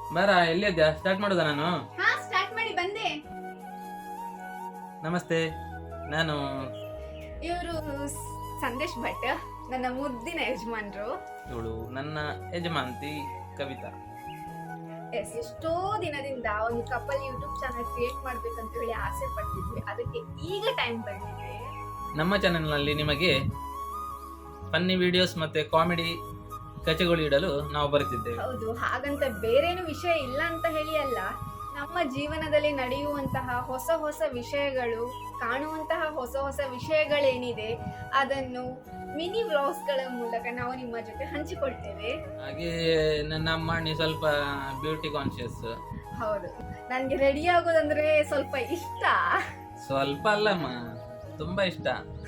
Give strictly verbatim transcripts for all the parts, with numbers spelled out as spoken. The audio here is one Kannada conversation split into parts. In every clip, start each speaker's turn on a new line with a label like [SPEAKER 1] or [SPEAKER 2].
[SPEAKER 1] ಬಾರ ಎಲ್ಲಿದ್ಯಾ? ಸ್ಟಾರ್ಟ್ ಮಾಡೋದಾ? ನಾನು
[SPEAKER 2] ಹಾ ಸ್ಟಾರ್ಟ್ ಮಾಡಿ ಬಂದೆ.
[SPEAKER 1] ನಮಸ್ತೆ, ನಾನು
[SPEAKER 2] ಇವರು ಸಂದೇಶ್ ಭಟ್, ನನ್ನ ಮುದ್ದಿನ ಯಜಮಾನ್ರು.
[SPEAKER 1] ಇವಳು ನನ್ನ ಯಜಮಾಂತಿ ಕವಿತಾ.
[SPEAKER 2] ಎಸ್, ಎಷ್ಟೋ ದಿನದಿಂದ ಒಂದು ಕಪಲ್ ಯೂಟ್ಯೂಬ್ ಚಾನಲ್ ಕ್ರಿಯೇಟ್ ಮಾಡ್ಬೇಕಂತ ಹೇಳಿ ಆಸೆ ಪಡ್ತಿದ್ವಿ. ಅದಕ್ಕೆ ಈಗ ಟೈಮ್ ಬಂದಿದೆ.
[SPEAKER 1] ನಮ್ಮ ಚಾನೆಲ್ನಲ್ಲಿ ನಿಮಗೆ ಫನ್ನಿ ವಿಡಿಯೋಸ್ ಮತ್ತೆ ಕಾಮಿಡಿ ಕಚೆಗಳು ಇಡಲು ನಾವು ಬರುತ್ತಿದ್ದೇವೆ.
[SPEAKER 2] ಹೌದು, ಹಾಗಂತ ಬೇರೇನು ವಿಷಯ ಇಲ್ಲ ಅಂತ ಹೇಳಿ ಅಲ್ಲ. ನಮ್ಮ ಜೀವನದಲ್ಲಿ ನಡೆಯುವಂತಹ ಹೊಸ ಹೊಸ ವಿಷಯಗಳು, ಕಾಣುವಂತಹ ಹೊಸ ಹೊಸ ವಿಷಯಗಳೇನಿದೆ ಅದನ್ನು ಮಿನಿ ವ್ಲಾಗ್ಸ್ಗಳ ಮೂಲಕ ನಾವು ನಿಮ್ಮ ಜೊತೆ ಹಂಚಿಕೊಳ್ತೇವೆ.
[SPEAKER 1] ಹಾಗೆ ನನ್ನ ಅಮ್ಮಣ್ಣಿ ಸ್ವಲ್ಪ ಬ್ಯೂಟಿ ಕಾನ್ಶಿಯಸ್.
[SPEAKER 2] ಹೌದು, ನನ್ಗೆ ರೆಡಿ ಆಗೋದಂದ್ರೆ ಸ್ವಲ್ಪ ಇಷ್ಟ.
[SPEAKER 1] ಸ್ವಲ್ಪ ಅಲ್ಲಮ್ಮ, ತುಂಬಾ ಇಷ್ಟ.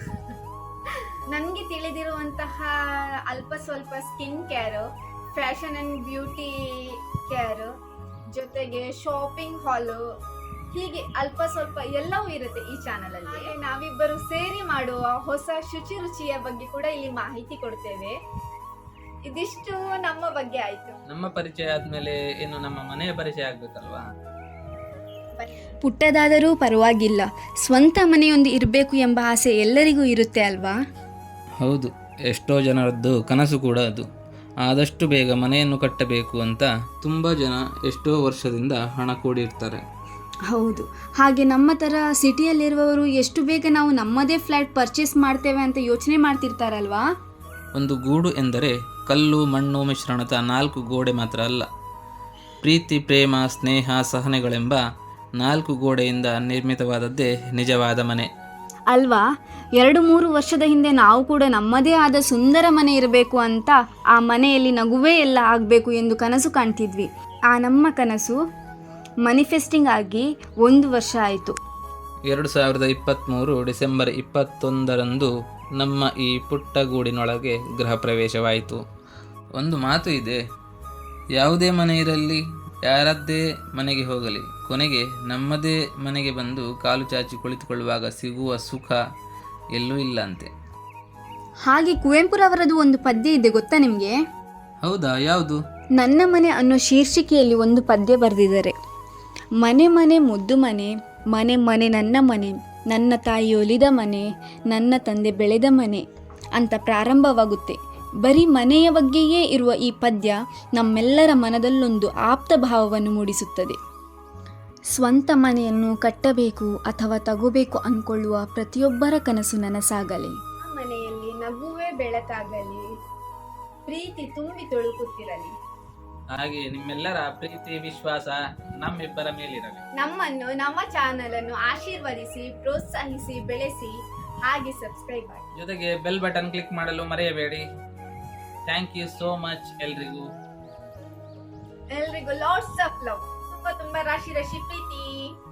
[SPEAKER 2] ನನಗೆ ತಿಳಿದಿರುವಂತಹ ಅಲ್ಪ ಸ್ವಲ್ಪ skin care, fashion and beauty care, ಜೊತೆಗೆ ಶಾಪಿಂಗ್ ಹಾಲು, ಹೀಗೆ ಅಲ್ಪ ಸ್ವಲ್ಪ ಎಲ್ಲವೂ ಇರುತ್ತೆ ಈ ಚಾನಲ್ ಅಲ್ಲಿ. ನಾವಿಬ್ಬರು ಸೇರಿ ಮಾಡುವ ಹೊಸ ಶುಚಿ ರುಚಿಯ ಬಗ್ಗೆ ಕೂಡ ಇಲ್ಲಿ ಮಾಹಿತಿ ಕೊಡ್ತೇವೆ. ಇದಿಷ್ಟು ನಮ್ಮ ಬಗ್ಗೆ ಆಯ್ತು.
[SPEAKER 1] ನಮ್ಮ ಪರಿಚಯ ಆದ್ಮೇಲೆ ಇನ್ನು ನಮ್ಮ ಮನೆಯ ಪರಿಚಯ ಆಗ್ಬೇಕಲ್ವಾ?
[SPEAKER 3] ಪುಟ್ಟದಾದರೂ ಪರವಾಗಿಲ್ಲ, ಸ್ವಂತ ಮನೆಯೊಂದು ಇರಬೇಕು ಎಂಬ ಆಸೆ ಎಲ್ಲರಿಗೂ ಇರುತ್ತೆ ಅಲ್ವಾ?
[SPEAKER 1] ಹೌದು, ಎಷ್ಟೋ ಜನರದ್ದು ಕನಸು ಕೂಡ ಅದು. ಆದಷ್ಟು ಬೇಗ ಮನೆಯನ್ನು ಕಟ್ಟಬೇಕು ಅಂತ ತುಂಬ ಜನ ಎಷ್ಟೋ ವರ್ಷದಿಂದ ಹಣ ಕೂಡಿರ್ತಾರೆ.
[SPEAKER 3] ಹೌದು, ಹಾಗೆ ನಮ್ಮ ಥರ ಸಿಟಿಯಲ್ಲಿರುವವರು ಎಷ್ಟು ಬೇಗ ನಾವು ನಮ್ಮದೇ ಫ್ಲ್ಯಾಟ್ ಪರ್ಚೇಸ್ ಮಾಡ್ತೇವೆ ಅಂತ ಯೋಚನೆ ಮಾಡ್ತಿರ್ತಾರಲ್ವಾ?
[SPEAKER 1] ಒಂದು ಗೂಡು ಎಂದರೆ ಕಲ್ಲು ಮಣ್ಣು ಮಿಶ್ರಣದ ನಾಲ್ಕು ಗೋಡೆ ಮಾತ್ರ ಅಲ್ಲ, ಪ್ರೀತಿ ಪ್ರೇಮ ಸ್ನೇಹ ಸಹನೆಗಳೆಂಬ ನಾಲ್ಕು ಗೋಡೆಯಿಂದ ನಿರ್ಮಿತವಾದದ್ದೇ ನಿಜವಾದ ಮನೆ
[SPEAKER 3] ಅಲ್ವಾ? ಎರಡು ಮೂರು ವರ್ಷದ ಹಿಂದೆ ನಾವು ಕೂಡ ನಮ್ಮದೇ ಆದ ಸುಂದರ ಮನೆ ಇರಬೇಕು ಅಂತ, ಆ ಮನೆಯಲ್ಲಿ ನಗುವೇ ಎಲ್ಲ ಆಗಬೇಕು ಎಂದು ಕನಸು ಕಾಣ್ತಿದ್ವಿ. ಆ ನಮ್ಮ ಕನಸು ಮ್ಯಾನಿಫೆಸ್ಟಿಂಗ್ ಆಗಿ ಒಂದು ವರ್ಷ ಆಯಿತು.
[SPEAKER 1] ಎರಡು ಸಾವಿರದ ಇಪ್ಪತ್ತ್ಮೂರು ಡಿಸೆಂಬರ್ ಇಪ್ಪತ್ತೊಂದರಂದು ನಮ್ಮ ಈ ಪುಟ್ಟ ಗೂಡಿನೊಳಗೆ ಗೃಹ ಪ್ರವೇಶವಾಯಿತು. ಒಂದು ಮಾತು ಇದೆ, ಯಾವುದೇ ಮನೆ ಇರಲಿ, ಯಾರದ್ದೇ ಮನೆಗೆ ಹೋಗಲಿ, ಕೊನೆಗೆ ನಮ್ಮದೇ ಮನೆಗೆ ಬಂದು ಕಾಲು ಚಾಚಿ ಕುಳಿತುಕೊಳ್ಳುವಾಗ ಸಿಗುವ ಸುಖ ಎಲ್ಲೂ ಇಲ್ಲ ಅಂತೆ.
[SPEAKER 3] ಹಾಗೆ ಕುವೆಂಪುರವರದು ಒಂದು ಪದ್ಯ ಇದೆ ಗೊತ್ತಾ ನಿಮಗೆ?
[SPEAKER 1] ಹೌದಾ? ಯಾವುದು?
[SPEAKER 3] ನನ್ನ ಮನೆ ಅನ್ನೋ ಶೀರ್ಷಿಕೆಯಲ್ಲಿ ಒಂದು ಪದ್ಯ ಬರೆದಿದ್ದಾರೆ. ಮನೆ ಮನೆ ಮುದ್ದು ಮನೆ, ಮನೆ ಮನೆ ನನ್ನ ಮನೆ, ನನ್ನ ತಾಯಿ ಒಲಿದ ಮನೆ, ನನ್ನ ತಂದೆ ಬೆಳೆದ ಮನೆ ಅಂತ ಪ್ರಾರಂಭವಾಗುತ್ತೆ. ಬರೀ ಮನೆಯ ಬಗ್ಗೆಯೇ ಇರುವ ಈ ಪದ್ಯ ನಮ್ಮೆಲ್ಲರ ಮನದಲ್ಲೊಂದು ಆಪ್ತ ಭಾವವನ್ನು ಮೂಡಿಸುತ್ತದೆ. ಸ್ವಂತ ಮನೆಯನ್ನು ಕಟ್ಟಬೇಕು ಅಥವಾ ತಗೋಬೇಕು ಅಂದ್ಕೊಳ್ಳುವ ಪ್ರತಿಯೊಬ್ಬರ ಕನಸು ನನಸಾಗಲಿ.
[SPEAKER 2] ಮನೆಯಲ್ಲಿ ನಗುವೆ ಬೆಳಕಾಗಲಿ, ಪ್ರೀತಿ ತುಂಬಿ ತೊಳುಕುತ್ತಿರಲಿ.
[SPEAKER 1] ಹಾಗೆ ನಿಮ್ಮೆಲ್ಲರ ಪ್ರೀತಿ ವಿಶ್ವಾಸ ನಮ್ಮಿಬ್ಬರ ಮೇಲಿರಲಿ.
[SPEAKER 2] ನಮ್ಮನ್ನು, ನಮ್ಮ ಚಾನಲ್ ಅನ್ನು ಆಶೀರ್ವದಿಸಿ, ಪ್ರೋತ್ಸಾಹಿಸಿ, ಬೆಳೆಸಿ, ಹಾಗೆ ಸಬ್ಸ್ಕ್ರೈಬ್ ಮಾಡಿ.
[SPEAKER 1] ಜೊತೆಗೆ ಬೆಲ್ ಬಟನ್ ಕ್ಲಿಕ್ ಮಾಡಲು ಮರೆಯಬೇಡಿ. ಥ್ಯಾಂಕ್ ಯು ಸೋ ಮಚ್ ಎಲ್ರಿಗೂ.
[SPEAKER 2] ಎಲ್ರಿಗೂ ಲಾಟ್ಸ್ ಆಫ್ ಲವ್. ತುಂಬಾ ತುಂಬಾ ರಾಶಿ ರಾಶಿ ಪ್ರೀತಿ.